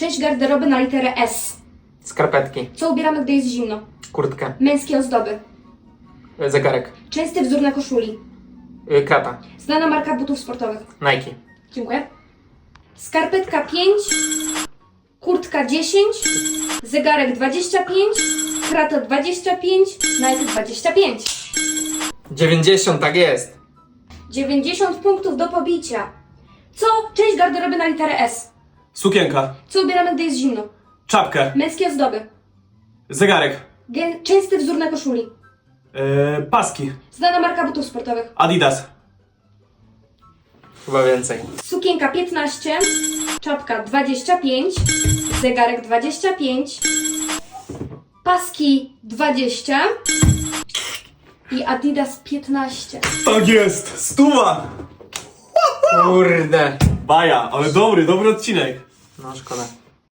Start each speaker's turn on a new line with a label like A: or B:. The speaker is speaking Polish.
A: Część garderoby na literę S.
B: Skarpetki.
A: Co ubieramy, gdy jest zimno?
B: Kurtkę.
A: Męskie ozdoby.
B: Zegarek.
A: Częsty wzór na koszuli.
B: Krata.
A: Znana marka butów sportowych.
B: Nike.
A: Dziękuję. Skarpetka 5, kurtka 10, zegarek 25, krata 25, Nike 25.
B: 90, tak jest.
A: 90 punktów do pobicia. Co? Część garderoby na literę S.
C: Sukienka.
A: Co ubieramy, gdy jest zimno?
C: Czapkę.
A: Męskie ozdoby.
C: Zegarek.
A: Częsty wzór na koszuli.
C: Paski.
A: Znana marka butów sportowych.
C: Adidas.
B: Chyba więcej.
A: Sukienka 15, czapka 25, zegarek 25, paski 20 i Adidas 15.
C: Tak jest! 100!
B: Kurde.
C: Baja, ale dobry odcinek.
B: No szkoda.